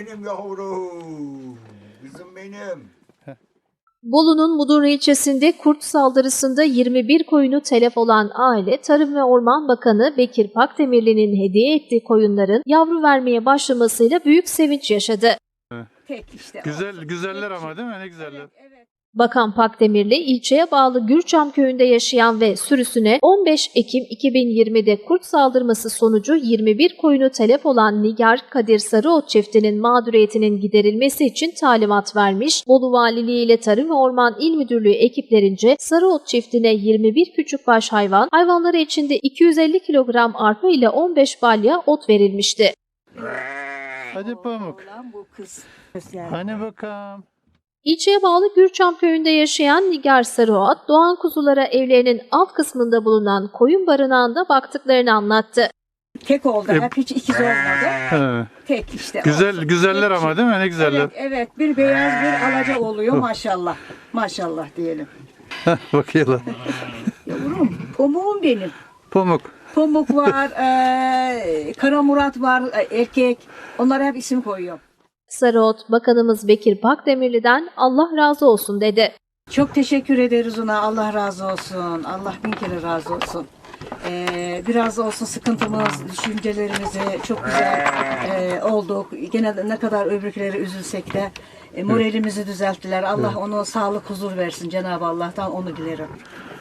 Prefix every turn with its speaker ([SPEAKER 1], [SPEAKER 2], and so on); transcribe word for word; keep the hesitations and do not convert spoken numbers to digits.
[SPEAKER 1] benim yavrum. Kızım benim.
[SPEAKER 2] Bolu'nun Mudurnu ilçesinde kurt saldırısında yirmi bir koyunu telef olan aile, Tarım ve Orman Bakanı Bekir Pakdemirli'nin hediye ettiği koyunların yavru vermeye başlamasıyla büyük sevinç yaşadı.
[SPEAKER 3] Tek işte.
[SPEAKER 4] Güzel,
[SPEAKER 3] olsun.
[SPEAKER 4] güzeller
[SPEAKER 3] Tek
[SPEAKER 4] ama
[SPEAKER 3] şey.
[SPEAKER 4] değil mi? Ne güzeller.
[SPEAKER 3] Evet, evet.
[SPEAKER 2] Bakan Pakdemirli, ilçeye bağlı Gürçam köyünde yaşayan ve sürüsüne on beş Ekim iki bin yirmide kurt saldırması sonucu yirmi bir koyunu telef olan Nigar Kadir Sarıot çiftinin mağduriyetinin giderilmesi için talimat vermiş. Bolu Valiliği ile Tarım ve Orman İl Müdürlüğü ekiplerince Sarıot çiftine yirmi bir küçükbaş hayvan, hayvanları içinde iki yüz elli kilogram arpa ile on beş balya ot verilmişti.
[SPEAKER 4] Hadi Pamuk.
[SPEAKER 3] Oğlan bu kız. Yani.
[SPEAKER 4] Hani bakalım.
[SPEAKER 2] İlçeye bağlı Gürçam köyünde yaşayan Nigar Sarıot, doğan kuzulara evlerinin alt kısmında bulunan koyun barınağında baktıklarını anlattı.
[SPEAKER 3] Tek oldu.
[SPEAKER 4] E-
[SPEAKER 3] Hep hiç ikiz olmadı.
[SPEAKER 4] He.
[SPEAKER 3] Tek işte.
[SPEAKER 4] Güzel,
[SPEAKER 3] olsun.
[SPEAKER 4] güzeller
[SPEAKER 3] Tek
[SPEAKER 4] ama
[SPEAKER 3] şey.
[SPEAKER 4] değil mi? Ne güzeller.
[SPEAKER 3] Evet, evet. Bir beyaz bir alaca oluyor maşallah. Maşallah diyelim.
[SPEAKER 4] Bakıyorlar.
[SPEAKER 3] Yavrum, pamuğum benim.
[SPEAKER 4] Pamuk.
[SPEAKER 3] Pamuk var, eee Kara Murat var, e, erkek. Onlara hep isim koyuyorum.
[SPEAKER 2] Sarıot, Bakanımız Bekir Pakdemirli'den Allah razı olsun dedi.
[SPEAKER 3] Çok teşekkür ederiz ona. Allah razı olsun. Allah bin kere razı olsun. Ee, biraz olsun sıkıntımız, düşüncelerimizi çok güzel e, olduk. Gene de ne kadar öbürküleri üzülsek de e, moralimizi düzelttiler. Allah ona sağlık, huzur versin. Cenab-ı Allah'tan onu dilerim.